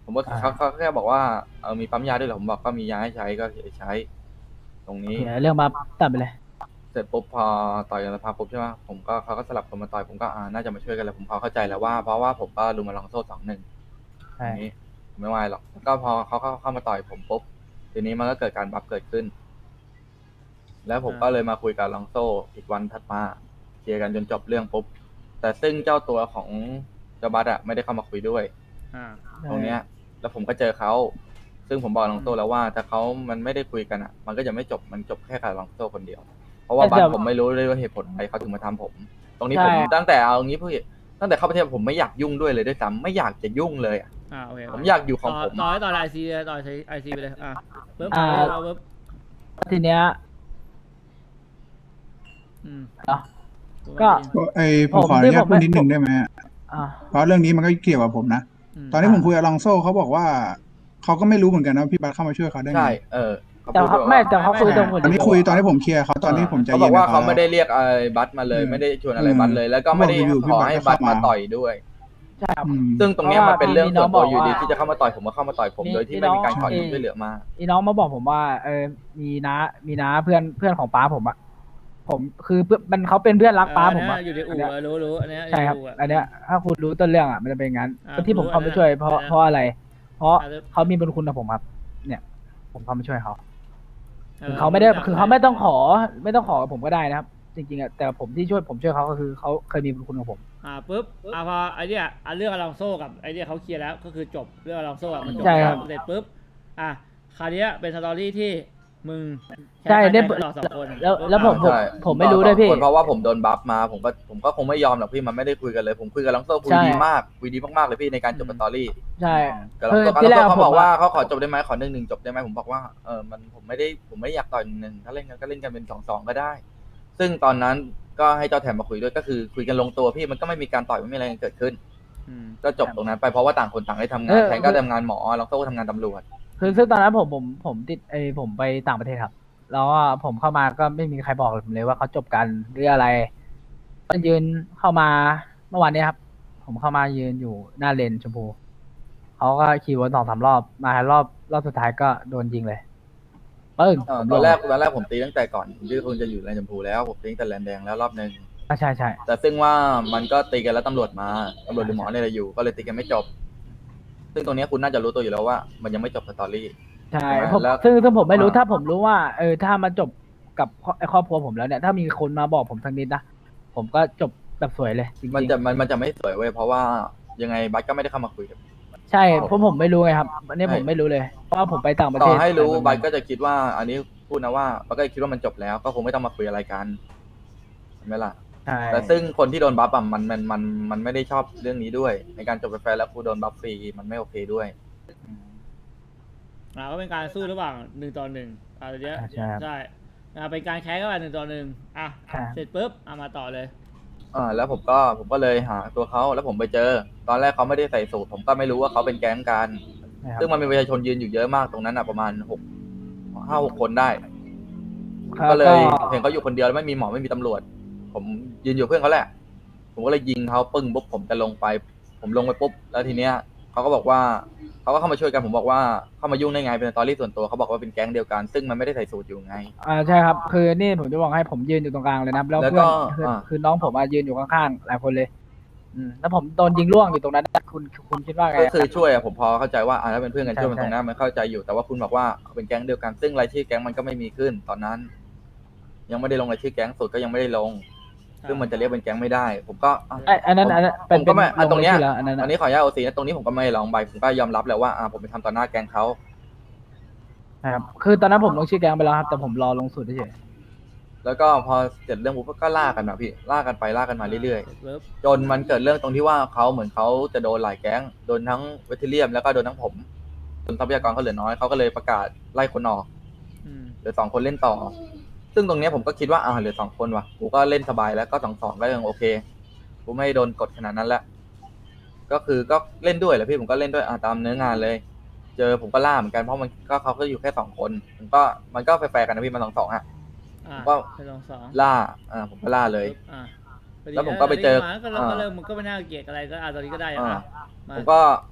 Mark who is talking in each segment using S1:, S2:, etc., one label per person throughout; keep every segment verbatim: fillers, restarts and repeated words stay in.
S1: ผมว่าเขาเขาแค่บอกว่าเออมีปั๊มยาด้วยเหรอผมบอกก็มียาให้ใช้ก็ใช้ตรงนี้
S2: โอเคเรื่องมาตัดไปเลย
S1: เสร็จปุ๊บพอต่อยกันสภาปุ๊บใช่ไหมผมก็เขาก็สลับคนมาต่อยผมก็อ่าน่าจะมาช่วยกันแหละผมพอเข้าใจแล้วว่าเพราะว่าผมก็ลุมมาลองโซ่สองหนึ่งตร
S2: ใช่
S1: งนี้ผมไม่ไหวหรอกแล้วก็พอเขาเข้าเข้ามาต่อยผมปุ๊บทีนี้มันก็เกิดการบัฟเกิดขึ้น แล้วผมก็เลยมาคุยกับลองโซ่อีกวันถัดมาเคลียร์กันจนจบเรื่องปุ๊บแต่ซึ่งเจ้าตัวของเจ้าบัสอะไม่ได้เข้ามาคุยด้วย
S3: อ่า
S1: ตรงเนี้ยแล้วผมก็เจอเขาซึ่งผมบอกลองโซ่แล้วว่าถ้าเขามันไม่ได้คุยกันอะมันก็จะไม่จบมันจบแค่กับลองโซ่คนเดียวเพราะว่าบัสผมไม่รู้เลยว่าเหตุผลอะไรเขาถึงมาทำผม ตรงนี้ผมตั้งแต่เอางี้พี่ตั้งแต่เข้าประเทศผมไม่อยากยุ่งด้วยเลยด้วยซ้ำไม่อยากจะยุ่งเลยอะ
S3: อ่าโอเค
S1: ผมอยากอยู่ของผม
S3: ต่อต่อไอซีต่อไอซีไปเลยอ่ะปึ๊บ
S2: อ่า
S3: ปึ๊บ
S2: ทีเนี้ย
S3: อืม
S2: เนาะ ก็
S4: ไอผมขออนุญาตพูดนิดนึงได้ไหม
S2: อ่า
S4: เพราะเรื่องนี้มันก็เกี่ยวกับผมนะ ตอนที่ผมคุยกับลองโซ่เขาบอกว่าเขาก็ไม่รู้เหมือนกันนะพี่บัสเข้ามาช่วยเขาได้ไง
S1: ใช่เออ
S2: แต่เขาไม่แต่เขาคุยตรงหมด
S4: ตอนนี้คุยตอนที่ผมเคลียร์เขาตอนที่ผมใจ
S1: เขาบ
S4: เย็
S1: อน กว่า
S4: กับ
S1: เขาไม่ได้เรียกไอ้บัสมาเลย
S4: อืม
S1: ไม่ได้ชวนอะไรบัสเลย แล้วก็ไม่ได้
S4: บอกอยู่ๆพี่
S1: ขอ
S4: บัส
S1: ให้
S4: ก็
S1: บัส
S4: เข้ามา
S1: มาต่อยด้วย
S2: ใช่ครับ
S4: อืม
S1: ซึ่งตรงเนี้ยมันเป็นเรื่องส่วนตัวอยู่ดี
S2: มีน้องบอกว่า
S1: ที่จะเข้ามาต่อยผมก็เข้ามาต่อยผม
S2: มี
S1: โดยที่ไม่มีการขอ
S2: มีน้อง
S1: ช่วยเหลือมา
S2: อีน้องมาบอกผมว่าเออมีน้ามีน้าเพื่อนเพื่อนของป้าผมอะผมคือเพื่อนมันเขาเป็นเพื่อนรักป้าผมอะ
S3: อยู่ในอู่รู้รู้อันเนี้ย
S2: ใช่ครับอันเนี้ยถ้าคุณรู้ต้นเรื่องอะมันจะเป็นอย่างนั้น
S3: อ่า
S2: ที่ผม
S3: รู้
S2: เข้า
S3: อัน
S2: มา
S3: นั้น
S2: ช่วยเพราะ
S3: อันนั้น
S2: เพราะอะไร เพราะ
S3: อ่า
S2: เขามีบุญคุณกับผมครับ เนี่ย ผมเข้ามาช่วยเขาคือเขาไม่ได้คือเขาไม่ต้องขอไม่ต้องขอกับผมก็ได้นะครับ จริงๆอะแต่ผมที่ช่วยผมช่วยเขาก็คือเขาเคยมีบุญคุณกับผม
S3: อ่าปุ๊บอ่าพอไอเนี้ยอ่าเรื่องอลองโซ่กับไอเนี้ยเขาเคลียร์แล้วก็คือจบเรื่องอลองโซ่อะมันจบ
S2: ใช่ครับ
S3: เสร็จปุ๊บอ่ะคราวเนี้ยเป็นสตอรี่ที่มึง
S2: ใช่เนี่ย
S3: ต่อสองคน
S2: แล้วแล้วผม
S1: ใช่
S2: ผมไม่รู้ด้วยพี่
S1: คนเพราะว่าผมโดนบัฟมาผมก็ผมก็คงไม่ยอมหรอกพี่มันไม่ได้คุยกันเลย ผมคุยกับลังโซ่คุย
S2: ใช่
S1: ดีมากคุยดีมากๆเลยพี่ในการจบสตอรี่
S2: ใช่
S1: กับลัง
S2: คือ
S1: โซ่กับ
S2: ที่
S1: ลัง
S2: แรก
S1: โซ่เขา
S2: ผม
S1: บอกว่า
S2: อะ
S1: เขาขอจบได้ไหมขอหนึ่งหนึ่งจบได้ไหมผมบอกว่าเออมันผมไม่ได้ผมไม่อยากต่อยหนึ่งหนึ่งถ้าเล่นกันก็เล่นกันเป็นสองสองก็ได้ ซึ่งตอนนั้นก็ให้เจ้าแถมมาคุยด้วยก็คือคุยกันลงตัวพี่มันก็ไม่มีการต่อยไม่มีอะไรเกิดขึ้น
S3: อืม
S1: ก็จบตรงนั้นไปเพราะว่าต่างคนต่างได้ทำงาน
S2: เออ
S1: แทนก็ทำงานหมอลังโซ่ก็ทำงานตำรวจ
S2: คือซึ่งตอนนั้นผมผมผมติดไอผมไปต่างประเทศครับ แล้วก็ผมเข้ามาก็ไม่มีใครบอกผมเลยว่าเขาจบกันหรืออะไรก็ยืนเข้ามาเมื่อวานเนี้ยครับ ผมเข้ามายืนอยู่หน้าเลนชมพูเขาก็ขี่วนสองสามรอบมารอบรอบสุดท้ายก็โดนยิงเลยปึ้ง
S1: เอ่อ
S2: ผม
S1: ตอนแรก
S2: ลง
S1: ตอนแรกผมตีตั้งแต่ก่อนที่คุณจะอยู่แลนด์ชมพูแล้วผมตีตั้งแต่แลนด์แดงแล้วรอบหนึ่ง
S2: อ่ะใช่ใช่
S1: แต่ซึ่งว่ามันก็ตีกันแล้วตำรวจมาตำรวจหรือหมอเนี่ยแหละอยู่ก็เลยตีกันไม่จบ ซึ่งตรงเนี้ยคุณน่าจะรู้ตัวอยู่แล้วว่า มันยังไม่จบสตอรี่
S2: ใช่
S1: ใช่
S2: ผม
S1: แล้ว
S2: ซึ่งซึ่งผมไม่รู้
S1: อ่า
S2: ถ้าผมรู้ว่าเออถ้ามันจบกับครอบครอบครัวผมแล้วเนี่ย ถ้ามีคนมาบอกผมสักนิดนะผมก็จบแบบสวยเลยจริงๆ
S1: มันจะมันมันจะไม่สวยเว้ยเพราะว่ายังไงบัสก็ไม่ได้เข้ามาคุยกับ
S2: ใช่เพราะผมไม่รู้ไงครับ อันนี้ผมไม่รู้เลย เพราะว่าผมไปต่างประ
S1: ต่
S2: เท
S1: อ
S2: ศ
S1: ให้รู้
S2: แต่
S1: บัสก็จะคิดว่า อันนี้พูดนะว่าบัสก็คิดว่ามันจบแล้ว ก็คงไม่ต้องมาคุยอะไรกันเห็นไหมล่ะ
S2: ใช่
S1: แต่ซึ่งคนที่โดนบัฟอ่ะมันมันมันมันไม่ได้ชอบเรื่องนี้ด้วย ในการจบกาแฟแล้วกูโดนบัฟฟรีมันไม่โอเคด้วย
S3: อ่าก็เป็นการสู้ระหว่างหนึ่งต่อหนึ่งอ่าเดี๋ยว
S2: ใช่ครับ
S3: ใช่อ่าเป็นการแข่งกันหนึ่งต่อหนึ่งอ่ะ
S2: ครับ
S3: เสร็จปุ๊บอ่ะมาต่อเลย
S1: อ่าแล้วผมก็ผมก็เลยหาตัวเขาแล้วผมไปเจอ ตอนแรกเขาไม่ได้ใส่สูทผมก็ไม่รู้ว่าเขาเป็นแก๊งกัน
S2: นะครับ
S1: ซึ่งมันมีประชาชนยืนอยู่เยอะมากตรงนั้นอ่ะประมาณหกห้าหกคนได้
S2: ครับ
S1: ก็เลยเห็
S2: ก็
S1: นเขาอยู่คนเดียวแล้วไม่มีหมอไม่มีตำรวจ ผมยืนอยู่เพื่อนเขาแหละ ผมก็เลยยิงเขาปึ้งปุ๊บผมจะลงไป ผมลงไปปุ๊บแล้วทีเนี้ยเขาก็บอกว่าเขาก็เข้ามาช่วยกันผมบอกว่าเข้ามายุ่งได้ไงเป็นสตอรี่ส่วนตัวเขาบอกว่าเป็นแก๊งเดียวกัน ซึ่งมันไม่ได้ใส่สูทอยู่ไง
S2: อ่าใช่ครับ คือนี่ผมจะบอกให้ผมยืนอยู่ตรงกลางเลยนะครับแล้ว
S1: แล้ว
S2: เพื่
S1: ก็
S2: อนคือ
S1: อ่า
S2: คือน้องผมอะยืนอยู่ข้างๆหลายคนเลย อืมแล้วผมโดนยิงล่วงอยู่ตรงนั้นคุณคุณคิดว่าไง
S1: ก็คือช่วยอะผมพอเข้าใจว่าอ่าถ้าเป็นเพื่อนกัน
S2: ใช่
S1: ช่วยมัน
S2: ใช่
S1: ตรงนั้นมันเข้าใจอยู่แต่ว่าคุณบอกว่าเป็นแก๊งเดียวกัน ซึ่งรายชื่อแก๊งมันก็ไม่มีขึ้น ตอนนั้น ยังไม่ได้ลงรายชื่อแก๊งสุดก็ยังไม่ได้ลง ซึ่งมันจะเรียกเป็นแก๊งไม่ได้ ผมก็อ่ะ
S2: ไอ้อันนั้นอันนั้น
S1: ผมก็ไม่อ่ะ
S2: ล
S1: ตรงเนี้ย
S2: ชื่อแล้วอันนั้น
S1: อั
S2: อะ
S1: นนี้ขออนุญาตโอซีนะตรงนี้ผมก็ไม่ลองใบผมก็ยอมรับแล้วว่าอ่าผมไปทำต่อหน้าแก๊งเขา
S2: นะครับคือตอนนั้นผมลงชื่อแกงไปแล้วครับแต่ผมรอลงสูตรเฉย
S1: แล้วก็พอเสร็จเรื่องปุ๊บก็ล่ากันนะพี่ล่ากันไปล่ากันมาเรื่อย
S3: สร็จปุ๊บ
S1: ๆ จนมันเกิดเรื่องตรงที่ว่าเขาเหมือนเขาจะโดนหลายแก๊งโดนทั้งเวทเทียมแล้วก็โดนทั้งผมจนทรัพยากรเขาเหลือน้อยเขาก็เลยประกาศไล่คนออก
S3: อืม
S1: เหลือสองคนเล่นต่อ ซึ่งตรงเนี้ยผมก็คิดว่าอ่าเหลือสองคนว่ะ กูก็เล่นสบายแล้วก็สองสองก็ยังโอเค กูไม่โดนกดขนาดนั้นแหละ ก็คือก็เล่นด้วยแหละพี่ผมก็เล่นด้วยอ่าตามเนื้องานเลย เจอผมก็ล่าเหมือนกันเพราะมันก็เขาก็อยู่แค่สองคนผมก็มันก็แฟร์ๆกันนะพี่มันสองสองอ่ะ
S3: อ่ะ
S1: ก็
S3: ไปลองสอง
S1: ล่า อ่าผมก็ล่าเลย
S3: ปุ๊บอ่ะ
S1: แล้วผมก็ไปเจอ
S3: ก็เริ่ม
S1: อ่า
S3: ก็เริ่มมึงก็ไม่น่าเกลียดอะไรก็อ่ะตอนนี้ก็ได้อ่ะ
S1: อ่า
S3: มา
S1: ผมก็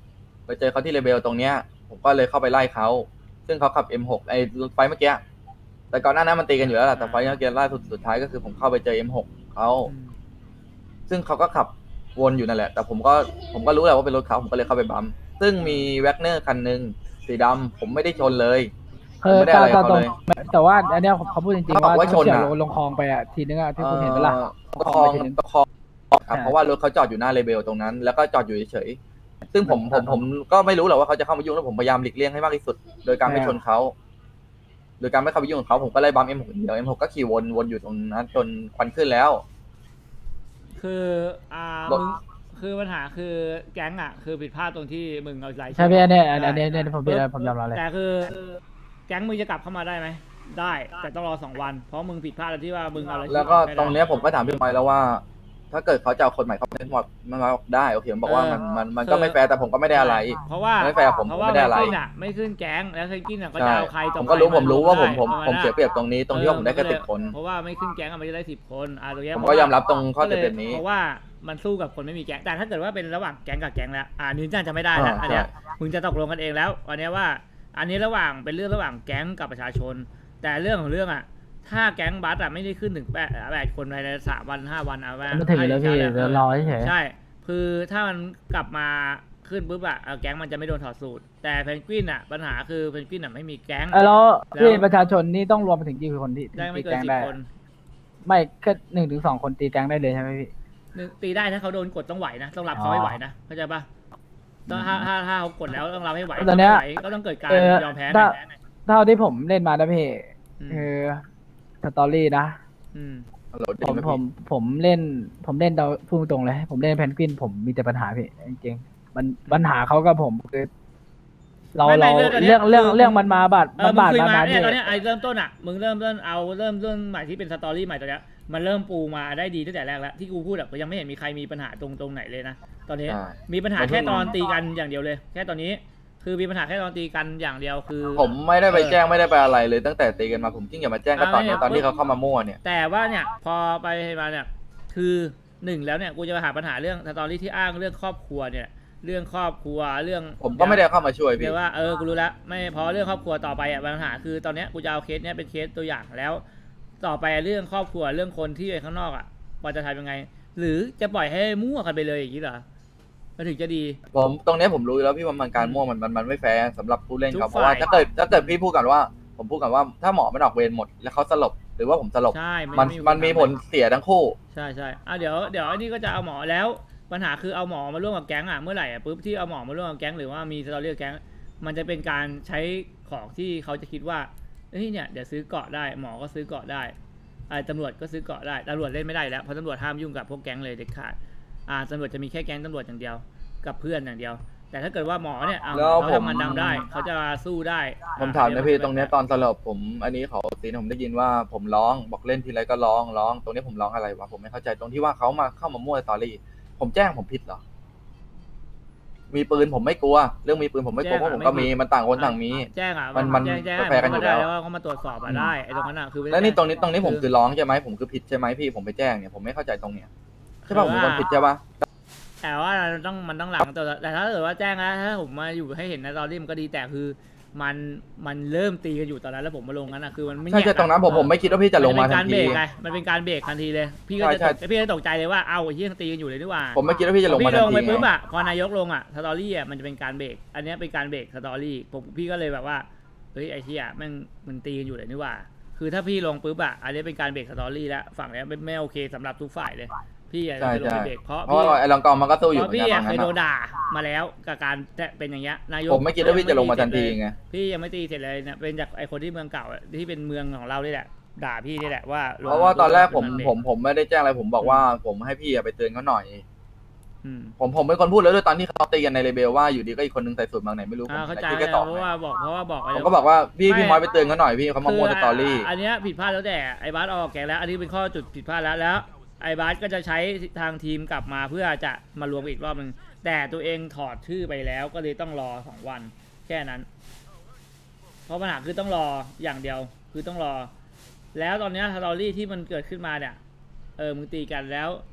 S1: ไปเจอเขาที่เลเบลตรงเนี้ย ผมก็เลยเข้าไปไล่เขาซึ่งเขาขับ เอ็ม หก ไอ้ไฟเมื่อกี้แต่ก่อนหน้านั้นมันตีกันอยู่แล้วแหละแต่ไฟเมื่อกี้ล่าสุดสุดท้ายก็คือผมเข้าไปเจอ เอ็ม หก เขา
S3: อืม
S1: ซึ่งเขาก็ขับวนอยู่นั่นแหละ แต่ผมก็ผมก็รู้แหละว่าเป็นรถเขาผมก็เลยเข้าไปบัมป์ซึ่งมีแว็กเนอร์คันหนึ่งสีดำผมไม่ได้ชนเลยผ
S2: เอ
S1: ม
S2: อ
S1: ไม่ได้
S2: ตา
S1: อะไร
S2: ตา
S1: กับ
S2: ต
S1: เขา
S2: รง
S1: เลย
S2: แต่ว่าอันเนี้ยเขาพูดจริง
S1: เขา
S2: ๆ
S1: บอก
S2: ว่า
S1: ว่าชน
S2: เฉียว
S1: อะ
S2: ลงคลองไปอ่ะทีนึงอ่ะที่คุณเห็นไหมล่ะ
S1: เอ่อประคอง
S2: ไปทีนึง
S1: ประคองครับ
S2: ใช่
S1: เพราะว่ารถเขาจอดอยู่หน้าเลเบลตรงนั้น แล้วก็จอดอยู่เฉยๆซึ่งผมผม
S2: ครับ
S1: ผมก็ไม่รู้หรอกว่าเขาจะเข้ามายุ่งแล้วผมพยายามหลีกเลี่ยงให้มากที่สุด โดยการไม่
S2: ใช่
S1: ชนเขาโดยการไม่เข้าไปยุ่งกับเขาผมก็ไล่บัม เอ็ม หก เดียว เอ็ม หก ก็ขี่วนวนอยู่ตรงนั้นจนควันขึ้นแล้ว
S3: คืออ่าร
S1: ถ
S3: มึงคือปัญหาคือแก๊งอ่ะคือผิดพลาดตรงที่มึงเอาใจ
S2: ใช่พี่อันเนี้ยอัน
S3: ได้
S2: อันเนี้ยอันเนี้ยผมเป็นผมยอมรับเลย
S3: แต่คือแก๊งมึงจะกลับเข้ามาได้ไหมได้แต่ต้องรอสองวันเพราะมึงผิดพลาดตรงที่ว่ามึงเอาอะไร
S1: แล้วก็ตรงเนี้ยผมก็ถามพี่ไมค์แล้วว่า ถ้าเกิดเขาจะเอาคนใหม่เข้ามาเล่นหมดมันมาได้โอเคผมบอกว่ามันมันมันก็ไม่แฟร์แต่ผมก็ไม่ได้อะไร
S3: เพราะว่า
S1: ไม่แฟร์ผม
S3: เพ
S1: ผม
S3: ราะว่า
S1: ไม่ได้อะไร
S3: เพนกวินอ่ะไม่ขึ้นแก๊งแล้วเพนกวินอ่ะก็จะ
S1: ใช่
S3: เอาใครต่อ
S1: ผมก็รู้
S3: ใค
S1: ผมรู้ว่าผมผม
S3: ได้
S1: ผมเสียเปรียบตรงนี้ตรงที่ว่าผมได้แค่สิบคน
S3: เพราะว่าไม่ขึ้นแก๊งอะมันจะได้สิบคนอ่ะตรงเนี้ย
S1: ผมก็ยอมรับตรงข้อเสียเปรียบนี้
S3: เพราะว่ามันสู้กับคนไม่มีแก๊งแต่ถ้าเกิดว่าเป็นระหว่างแก๊งกับแก๊งแล้วอ่านี้น่าจะไม่ได้แล้ว
S1: อ่า
S3: อันเนี้ย
S1: ใช่
S3: มึงจะตกลงกันเองแล้วอันเนี้ยว่า อันนี้ระหว่างเป็นเรื่องระหว่างแก๊งกับประชาชน แต่เรื่องของเรื่องอ่ะถ้าแก๊งบัสอ่ะไม่ได้ขึ้นถึงแปดแปดคนภายในสามวันห้าวันเอาว่า
S2: มันถึงอยู่แล้วพี่
S3: ให้
S2: เดี๋ยวรอเฉย
S3: ใช่ คือถ้ามันกลับมาขึ้นปุ๊บอ่ะเออแก๊งมันจะไม่โดนถอดสูตร แต่เพนกวินอ่ะปัญหาคือเพนกวินอ่ะไม่มีแก๊ง
S2: เออแล้วพี่
S3: แล้ว
S2: ประชาชนนี่ต้องรวมไปถึงกี่คนที่
S3: ได้ไม่
S2: ตี
S3: เกิน
S2: แก๊ง
S3: สิบ
S2: ได้
S3: คน
S2: ไม่แค่หนึ่งถึงสองคนตีแก๊งได้เลยใช่ไหมพี่
S3: หนึ่งตีได้ถ้าเขาโดนกดต้องไหวนะต้องรับเขาให้ไหวนะเข้าใจปะต้องถ้าถ้าถ้าเขากดแล้วต้องรับให้ไหว
S2: ตอนเนี้ย
S3: ถ้าไม่ไหวก็ต้องเกิดการ
S2: เออย
S3: อมแพ้
S2: ถ้า
S3: นะ
S2: เท่าที่ผมเล่นมานะพี่
S3: อืม
S2: คือสตอรี่นะ
S3: อืม
S1: ฮัลโหล
S2: ผม
S1: ได้ไห
S2: ผมผมเล่น ผมเล่นเราพูดตรงเลย ผมเล่นเพนกวินผมมีแต่ปัญหาพี่จริงๆมันปัญหาเขากับผมคือเรา
S3: ไม่ไม่
S2: เรา
S3: เรื่องอันเนี้
S2: เรื่อย งเรื่อง
S3: คือ
S2: เรื่องมันมาบาด
S3: เอ
S2: มั
S3: อน มึง
S2: บาด
S3: คุย
S2: มา
S3: มา
S2: นา
S3: เนี่ย
S2: พี่
S3: ตอนเนี้ยไอ้เริ่มต้นอ่ะมึงเริ่มเริ่มเอาเริ่มเรื่องใหม่ที่เป็นสตอรี่ใหม่ตัวเนี้ยมันเริ่มปูมาได้ดีตั้งแต่แรกแล้วที่กูพูดอ่ะก็ยังไม่เห็นมีใครมีปัญหาตรงตรงไหนเลยนะตอนนี้
S1: ใช่
S3: มีปัญหา
S1: ผมเพิ่
S3: แค่
S1: ง
S3: ตอนตีกันอย่างเดียวเลย แค่ตอนนี้ คือมีปัญหาแค่ตอนตีกันอย่างเดียวคือ
S1: ผมไม่ได้ไป
S3: เออ
S1: แจ้งไม่ได้ไปอะไรเลยตั้งแต่ตีกันมาผมยิ่งอย่ามาแจ้งก็ตอนเนี้ย
S3: อ่า
S1: ตอนที่เขาเข้ามามั่วเนี่ย
S3: แต่ว่าเนี่ยพอไปมาเนี่ยคือหนึ่งแล้วเนี่ยกูจะมาหาปัญหาเรื่องสตอรี่ที่อ้างเรื่องครอบครัวเนี่ย เรื่องครอบครัวเรื่อง
S1: ผมก็ไม่ได้เข้ามาช่วย
S3: เรี
S1: พี่
S3: ยกว่าเออกูรู้แล้วไม่พอเรื่องครอบครัวต่อไปอ่ะปัญหาคือตอนเนี้ยกูจะเอาเคสเนี้ยเป็นเคสตัวอย่างแล้ว ต่อไปเรื่องครอบครัวเรื่องคนที่อยู่ข้างนอกอ่ะว่าจะทำยังไง หรือจะปล่อยให้มั่วกันไปเลยอย่างนี้เหรอมันถึงจะดี
S1: ผมตรงเนี้ยผมรู้อยู่แล้วพี่ว่ามันการมั่วมันมันมันไม่แฟร์สำหรับผู้เล่น
S3: ทุก
S1: เขาเพราะว่า
S3: ฝ่าย
S1: ถ้าเกิดถ้าเกิดพี่พูดกันว่า ผมพูดกันว่าถ้าหมอมันออกเวรหมดแล้วเขาสลบหรือว่าผมสลบ
S3: ใช่
S1: มันมันมีผลเสียทั้งคู่
S3: ใช่ใช่อ่ะเดี๋ยวเดี๋ยวอันนี้ก็จะเอาหมอแล้วปัญหาคือเอาหมอมาร่วมกับแก๊งอ่ะเมื่อไหร่อ่ะปุ๊บที่เอาหมอมาร่วมกับแก๊งหรือว่ามีสตอรี่กับแก๊งมันจะเป็นการใช้ของที่เขาจะคิดว่าเฮ้ยเนี่ยเดี๋ยวซื้อเกาะได้หมอก็ซื้อเกาะได้ไอ้ตำรวจก็ซื้อเกาะได้ตำรวจเล่นไม่ได้แล้วเพราะตำรวจห้ามยุ่งกับพวกแก๊งเลยเด็ดขาดอ่าตำรวจจะมีแค่แก๊งตำรวจอย่างเดียวกับเพื่อนอย่างเดียว แต่ถ้าเกิดว่าหมอเนี่ยเอา
S1: แล้ว
S3: เขา
S1: ผม
S3: ทำงานดำได้เขาจะสู้ได้
S1: ผมถามนะพี่ตรงเนี้ยตอนสลบผมอันนี้เขาตีนผมได้ยินว่าผมร้องบอกเล่นทีไรก็ร้องร้องตรงนี้ผมร้องอะไรวะผมไม่เข้าใจตรงที่ว่าเขามาเข้ามามั่วสตอรี่ผมแจ้งผมผิดเหรอมีปืนผมไม่กลัว เรื่องมีปืนผมไม่กลัวเพราะผมก็มีมันต่างคนต่างมี
S3: แจ้งอ่ะ
S1: มันมัน
S3: แจ้งแจ้ง
S1: ก็แฟร์กันอยู่แล้ว
S3: ได้ว่าเขามาตรวจสอบอ่ะได้ไอ้ตรงนั้นอ่ะคือไม่ได้
S1: แล้วนี่ตรงนี้ตรงนี้ผม
S3: คือ
S1: คือร้องใช่ไหมผมคือผิดใช่ไหมพี่ผมไปแจ้งเนี่ยผมไม่เข้าใจตรงเนี้ยใช่ป่ะผมเป็นคนผิดใช่ป่ะ
S3: แต่ว่าเราต้องมันต้องหลังแต่แต่ถ้าเกิดว่าแจ้งนะถ้าผมมาอยู่ให้เห็นในตอนนี้มันก็ดีแต่คือมันมันเริ่มตีกันอยู่ตอนนั้นแล้วผมมาลงนั้นนะคือมันไม่
S1: ใช่
S3: แยก
S1: ใช่ตรงนั้นผมผมไม่คิดว่าพี่จะลงมาทันที
S3: มันเป็นการเบรกไงมันเป็นการเบรกทันทีเลยพี่ก็
S1: ใช่
S3: จะ
S1: ใช่
S3: พี่ก็ตกใจเลยว่าเอ้าไอ้ที่ตีกันอยู่เลยนี่หว่า
S1: ผมไม่คิดว่าพี่จะลงมา
S3: พี่
S1: ทั
S3: ล
S1: น
S3: ง
S1: ที
S3: ไปปุ๊บ
S1: ไง
S3: อะพอนายกลงอะสตอรี่อะมันจะเป็นการเบรกอันเนี้ยเป็นการเบรกสตอรี่ผมพี่ก็เลยแบบว่าเฮ้ยไอ้ที่อะแม่งมันตีกันอยู่เลยนี่หว่า คือถ้าพี่ลงปุ๊บอะอันนี้เป็นการเบรกสตอรี่แล้วฝั่งเนี้ยไม่ไม่โอเคสำหรับทุกฝ่ายเลยพี่อะ
S1: ใช่
S3: จะลง
S1: ใช่
S3: ไปเบรกเพราะ
S1: เพราะ
S3: พี่
S1: ว่าไอ้ลองกองมันก็สู้อ
S3: เพ
S1: ยู่
S3: ราะ
S1: เหมือน
S3: พี่
S1: กัน
S3: อะ
S1: ตรง
S3: เค
S1: นั้
S3: ย
S1: น
S3: โดน
S1: อะ
S3: ด่ามาแล้วกับการเป็นอย่างเงี้ยนายก
S1: ผมไม่คิดว่าพี่จะลงมาทันทีไง
S3: พี่ยังไม่ตีเสร็จเลยเนี่ยเป็นจากไอ้คนที่เมืองเก่าอะที่เป็นเมืองของเรานี่แหละด่าพี่นี่แหละว่าลง
S1: เพราะว่าตอนแรกผม
S3: นเบร
S1: ผมผมไม่ได้แจ้งอะไรผมบอกว่าผมให้พี่อะไปเตือนเขาหน่อย
S3: อืม
S1: ผมผมเป็นคนพูดแล้วด้วยตอนที่เขาตีกันในเรเบลว่าอยู่ดีก็อีกคนนึงใส่สูตรบางไหนไม่รู้ผม
S3: อ่าเข้าใจ
S1: คิดแค่ต่อ
S3: เพราะว่าบอกเพราะว่าบอก
S1: ผมก็บอกว่าพี่พี่มอยไปเตือนเขาหน่อยพี่เขามามั่วสตอรี่
S3: อันเนี้ยผิดพลาดแล้วแต่ไอ้บาสออกแกงแล้ว อันนี้เป็นข้อจุดผิดพลาดแล้วแล้วไอ้บาสก็จะใช้ทางทีมกลับมาเพื่อจะมารวมอีกรอบหนึ่งแต่ตัวเองถอดชื่อไปแล้วก็เลยต้องรอสองวันแค่นั้น เพราะปัญหาคือต้องรออย่างเดียวคือต้องรอ แล้วตอนเนี้ยสตอรี่ที่มันเกิดขึ้นมาเนี่ยเออมึงตีกันแล้ว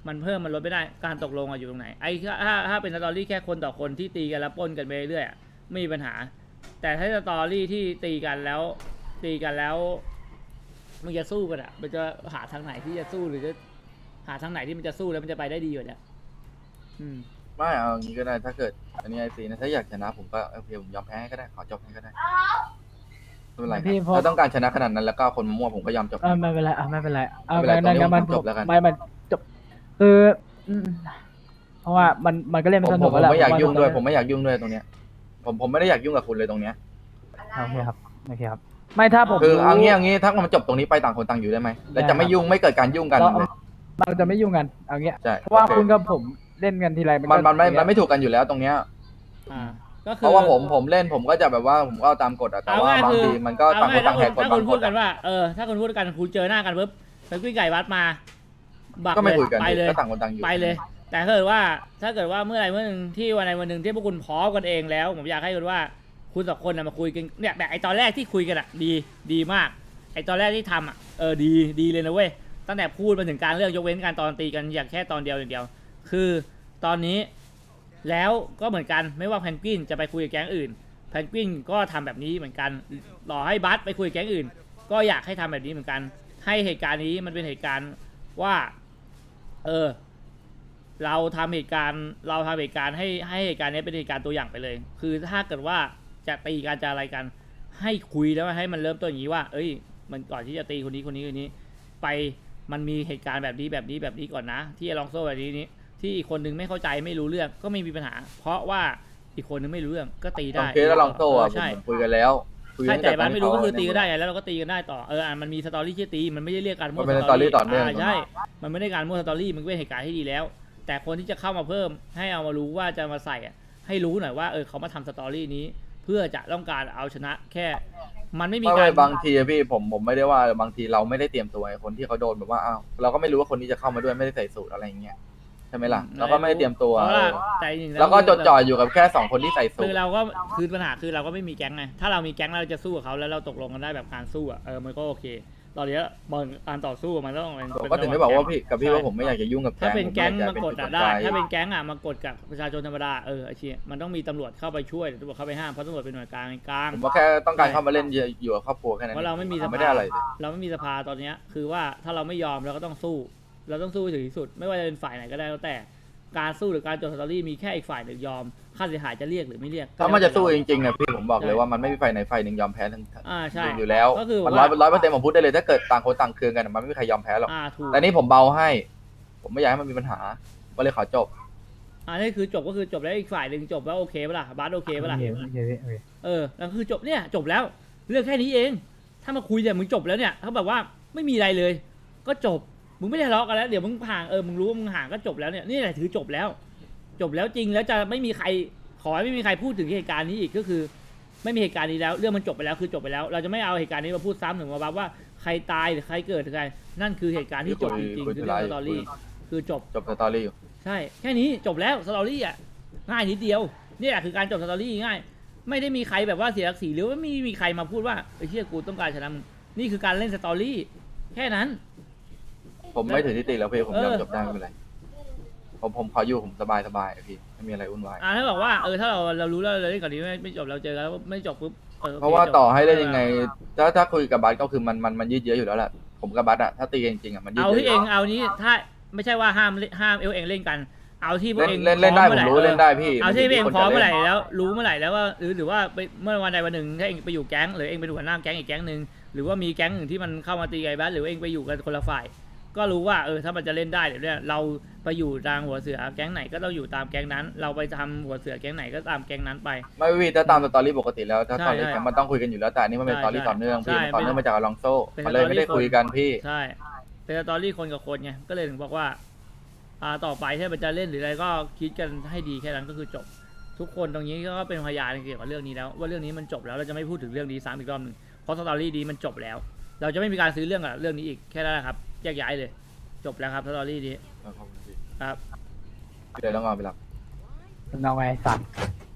S3: มันเพิ่มมันลดไม่ได้การตกลงอะอยู่ตรงไหนไอ้ถ้าถ้าถ้าเป็นสตอรี่แค่คนต่อคนที่ตีกันแล้วปล้นกันไปเรื่อยๆอะไม่มีปัญหา แต่ถ้าสตอรี่ที่ตีกันแล้วตีกันแล้วมันจะสู้กันอะมันจะหาทางไหนที่จะสู้หรือจะหาทางไหนที่มันจะสู้แล้วมันจะไปได้ดีกว่าเนี้ยอืม
S1: ไม่เอาอย่างนี้ก็ได้ถ้าเกิดอันนี้ไอซีนะถ้าอยากชนะผมก็โอเคผมยอมแพ้ให้ก็ได้ขอจบให้ก็ได้ไม่เป็นไร
S2: พี่
S1: ครับ
S2: พอ
S1: ถ้าต้องการชนะขนาดนั้นแล้วก็คนมั่วผมก็ยอมจบ
S2: เออไม่เป็นไรอ่ะไม่เป็นไรเอา
S1: ไม่เป็นไร
S2: งั้น
S1: ตรงนี้
S2: งั้นมัน
S1: ผมจบแล้วกัน
S2: ไม่มันจบคืออืมเพราะว่ามันมันก็เล่น
S1: ผ
S2: ไม่
S1: ม
S2: ส
S1: ผ
S2: นุก
S1: มผ
S2: แล้ว
S1: มไม่อยาก
S2: แหละ
S1: ยุ่งด้วย
S2: ผ
S1: ผมไม่อยากยุ่งด้วยตรงเนี้ยผมผมไม่ได้อยากยุ่งกับคุณเลยตรงเนี้ย
S2: โอเคครับโอเคครับ ไม่ถ้าผม
S1: คือ
S2: รู้
S1: เอางี้เอางี้ถ้ามันจบตรงนี้ไปต่างคนต่างอยู่ได้ไหมแล้วจะไม่ยุ่งไม่เกิดการยุ่งกัน
S2: เรา
S1: เลย
S2: เราจะไม่ยุ่งกันเอางี้
S1: ใช่
S2: เพราะว่า
S1: โอเค
S2: คุณกับผมเล่นกันทีไร
S1: มันมันไม่
S2: ก็
S1: มันไม่ถูกกันอยู่แล้วตรงเนี้ย
S3: อ่าก็คือ
S1: เพราะว่าผมผมเล่นผมก็จะแบบว่าผมก็เอาตามกฎอะแต่
S3: เอา
S1: ว่า
S3: ง่าย
S1: บาง
S3: คือ
S1: ทีมันก็ต่างคนต่างแหกกฎ
S3: ถ้า
S1: บา
S3: คุ
S1: ง
S3: ณ
S1: ค
S3: พูด
S1: น
S3: กันว่าเออถ้าคุณพูดกันคุณเจอหน้ากันปุ๊บเป็นกุ้ยไก่วัดมาบัก
S1: ก็ไม่
S3: เลย
S1: คุยกัน
S3: ไปเลย
S1: ก็ต่างคนต่างอยู่
S3: ไปเลย แต่ถ้าเกิดว่าถ้าเกิดว่าเมื่อไหรเมื่อหนึ่งที่วันใดวันหนึ่งที่พวกคุณพร้อมกันเองแล้ว ผมอยากให้คุณว่าคุณสองคนนะมาคุยกันเนี่ยแบบไอตอนแรกที่คุยกันอะดีดีมากไอตอนแรกที่ทำอะเออดีดีเลยนะเว้ยตั้งแต่พูดมาถึงการเลือกยกเว้นการตอนตีกันอย่างแค่ตอนเดียวอย่างเดียว คือตอนนี้แล้วก็เหมือนกันไม่ว่าแพนกวินจะไปคุยกับแก๊งอื่นแพนกวินก็ทำแบบนี้เหมือนกันรอให้บัสไปคุยกับแก๊งอื่น ก็อยากให้ทำแบบนี้เหมือนกัน ให้เหตุการณ์นี้มันเป็นเหตุการณ์ว่า เออ เราทำเหตุการณ์เราทำเหตุการณ์ให้ให้เหตุการณ์นี้เป็นเหตุการณ์ตัวอย่างไปเลย คือถ้าเกิดว่าจะตีกันจะอะไรกัน ให้คุยแล้วให้มันเริ่มต้นอย่างนี้ว่า เอ้ย มันก่อนที่จะตีคนนี้คนนี้คนนี้ ไปมันมีเหตุการณ์แบบนี้แบบนี้แบบนี้ก่อนนะ ที่ลองโซ่แบบนี้นี้ที่อีกคนนึงไม่เข้าใจไม่รู้เรื่องก็ไม่มีปัญหา เพราะว่าอีกคนนึงไม่รู้เรื่องก็ตี
S1: ตอ
S3: ได้
S1: นเคสแล้วลองโซ่อะ
S3: เใช่
S1: ผมคุยกันแล้วคุย
S3: ใช่
S1: ตั้ง
S3: แต่
S1: ต
S3: บ้านไม่รู้ก็คือ
S1: ที่
S3: ตี
S1: เขา
S3: ก็ได้ไงแล้วเราก็ตีกันได้ต่อเอออ่ะมันมีสตอรี่ที่ตีมันไม่ได้เรียกการมั่ว
S1: มันเป็นสตอรี่ต่อเนื่อง
S3: ใช่มันไม่ได้การมั่วสตอรี่มันเป็นเหตุการณ์ที่ดีแล้ว แต่คนที่จะเข้ามาเพิ่มให้เอามารู้ว่าจะมาใส่อ่ะให้รู้หน่อยว่าเออเขามาทำสตอรี่นี้ เพื่อจะต้องการเอาชนะแค่ มันไม่มี
S1: ไม่
S3: การ
S1: ไม่บางทีอะพี่ผมผมไม่ได้ว่าบางทีเราไม่ได้เตรียมตัวไอ้คนที่เขาโดนแบบว่าอ้าวเราก็ไม่รู้ว่าคนนี้จะเข้ามาด้วยไม่ได้ใส่สูตรอะไรอย่างเงี้ยใช่ไหมล่ะเราก็ไม่ได้เตรียมตัว
S3: เพราะว่า
S1: เออ
S3: แต่จริงๆ
S1: แล้วก็จดจ่ออยู่กับแค่สองคนที่ใส่สู
S3: คื
S1: ต
S3: อ
S1: ร
S3: เราก็คือปัญหาคือเราก็ไม่มีแก๊งไงถ้าเรามีแก๊งเราจะสู้กับเขาแล้วเราตกลงกันได้แบบการสู้อ่ะเออมันก็โอเค ตอนนี้มันการต่อสู้มันต้องเป็น
S1: ผมก็ถึงได้บอกว่าพี่กับพี่ว่าผมไม่อยากจะยุ่งกับแก๊ง
S3: ถ้าเป็นแก๊ง
S1: ผ
S3: มากด
S1: อย
S3: อะ
S1: จะ
S3: ได้
S1: เป็นจุ
S3: ถ้า
S1: ประกย
S3: เป็นแก๊งอะมากดกับประชาชนธรรมดาเออไอ้เชี่ยมันต้องมีตำรวจเข้าไปช่วยหรือตำรวจเข้าไปห้ามเพราะตำรวจเป็นหน่วยกลางกลาง
S1: ผมก็แค่ต้องการเข้ามาเล่นอยู่กับครอบครัวแค่นั้น
S3: เพราะเราไม่มีส
S1: ผม
S3: ภา
S1: ไม่ได้อะไรเลย
S3: เราไม่มีสภาตอนเนี้ยคือว่าถ้าเราไม่ยอมเราก็ต้องสู้ เราต้องสู้ให้ถึงที่สุด ไม่ว่าจะเป็นฝ่ายไหนก็ได้แล้วแต่การสู้หรือการจดสตอรี่มีแค่อีกฝ่ายหนึ่งยอมค่าเสียหายจะเรียกหรือไม่เรียก
S1: ถ้ามันจะสู้จริงๆอะพี่ผมบอกเลยว่ามันไม่มีฝ่ายไหนฝ่ายหนึ่งยอมแพ้ทั้ง
S3: อ่าใช่
S1: อยู่แล้ว
S3: ก็คือ
S1: มัน
S3: ว่า
S1: ร้อยร้อยเปอร์เซ็นต์ผมพูดได้เลยถ้าเกิดต่างคนต่างเคืองกันอะมันไม่มีใครยอมแพ้หรอก
S3: อ่าถูก
S1: แต่นี่ผมเบาให้ ผมไม่อยากให้มันมีปัญหาก็เลยขอจบ
S3: อ่านี่คือจบก็คือจบแล้วอีกฝ่ายหนึ่งจบแล้วโอเคปะล่ะบาสโอเคปะล่ะ
S2: โอเคโอเคโอเค
S3: เออแล้วคือจบเนี่ยจบแล้วเรื่องแค่นี้เอง ถ้ามาคุยเนี่ยมึงจบแล้วเนี่ยเขาแบบว่าไม่มีอะไรเลย ก็จบมึงไม่ได้ทะเลาะกันแล้วเดี๋ยวมึงห่างเออมึงรู้ว่ามึงห่างก็จบแล้วเนี่ยนี่แหละถือจบแล้ว จบแล้วจริงแล้วจะไม่มีใครขอให้ไม่มีใครพูดถึงเหตุการณ์นี้อีกก็คือ ไม่มีเหตุการณ์นี้แล้วเรื่องมันจบไปแล้วคือจบไปแล้ว เราจะไม่เอาเหตุการณ์นี้มาพูดซ้ำถึงมาว่าใครตายหรือใครเกิดหรือใครนั่นคือเหตุการณ์ที่จบจริงๆคือเรื่องสตอรี่คือจบ
S1: จบสตอรี่อยู่
S3: ใช่แค่นี้จบแล้วสตอรี่อ่ะง่ายนิดเดียวนี่แหละคือการจบสตอรี่ง่าย ไม่ได้มีใครแบบว่าเสียศักดิ์ศรีหรือว่าไม่มีใครมาพูดว่าไอ้เชี่ยกูต้องการชนะมึงนี่คือการเล่นสตอรี่แค่นั้น
S1: ผมไม่ถือที่ติแล้วพี่ผมยอม
S3: เออ
S1: จบได้ไม่เป็นไรผมผมขออยู่ผมสบายสบายๆพี่ไม่มีอะไรวุ่นวาย
S3: อ่าถ้าบอกว่าเออถ้าเราเรารู้แล้วเราเล่นก่อนนี้ไม่ไม่จบเราเจอกันแล้วไม่จบปุ๊บออโอค
S1: เพราะว่า
S3: จบ
S1: ต่อให้ได้ยังไง ถ้าถ้าคุยกับบัสก็คือมันมันมันยืดเยื้ออยู่แล้วแหละผมกับบัสอะถ้าตีกันจริงๆอะมันยืด
S3: เอา
S1: เยื้
S3: ที่
S1: อ
S3: เองเอานี้ถ้าไม่ใช่ว่าห้ามห้ามเอลเองเล่นกัน เอาที่พวก
S1: เล่น
S3: เอง
S1: เล่นเล่นได้
S3: พ
S1: ผ
S3: อ
S1: ม
S3: มื่อ
S1: รู้
S3: ห
S1: เล่นได้พี่
S3: เอาที่เอง
S1: คน
S3: พร้อม
S1: จะ
S3: เมื่อไหร่
S1: ล่น
S3: แล้วรู้เมื่อไหร่แล้วว่าหรือหรือว่าไปเมื่อวันใดวันหนึ่งถ้าเองไปอยู่แก๊งหรือเองเป็นหัวหน้าแก๊งอีกแก๊งหนึ่งหรือว่ามีแก๊งหนึ่งที่มันเข้ามาตีไอ้บ้านหรือว่าเองไปอยู่กันคนละฝ่าย ก็รู้ว่าเออถ้ามันจะเล่นได้เดี๋ยวเนี่ยเราไปอยู่ทางหัวเสือแก๊งไหนก็ต้องอยู่ตามแก๊งนั้น เราไปทำหัวเสือแก๊งไหนก็ตามแก๊งนั้นไป
S1: ไม่พี่ถ้าตามสตอรี่ปกติแล้วถ้า
S3: ใช่
S1: ตอนนี้
S3: ใช่
S1: มันต้องคุยกันอยู่แล้วแต่อันนี้มันเป็น
S3: ใช่
S1: สตอรี่ต่อเนื่อง
S3: ใช่
S1: พี่มันต่อเนื่องมาจากอลองโซ่
S3: เป็น
S1: มันเลยไม่ได้
S3: สตอรี่
S1: คุยกันพี่
S3: ใช่เป็นสตอรี่คนกับคนไงก็เลยถึงบอกว่าอ่าต่อไปถ้ามันจะเล่นหรืออะไรก็คิดกันให้ดีแค่นั้นก็คือจบ ทุกคนตรงนี้ก็เป็นพยานเกี่ยวกับเรื่องนี้แล้วว่าเรื่องนี้มันจบแล้วเราจะไม่พูดถึงเรื่องนี้ซ้ำอีกรอบหนึ่งเพราะสตอรี่ดีมันจบแล้ว เราจะไม่มีการซื้อเรื่องกับเรื่องนี้อีกแค่นั้นแหละครับแยกย้ายเลยจบแล้วครับสตอรี่นี้
S1: ขอบคุณพี่
S3: ครับ
S1: เดี๋ยวต้องเอาไปรับ
S2: น้องไงสัตว์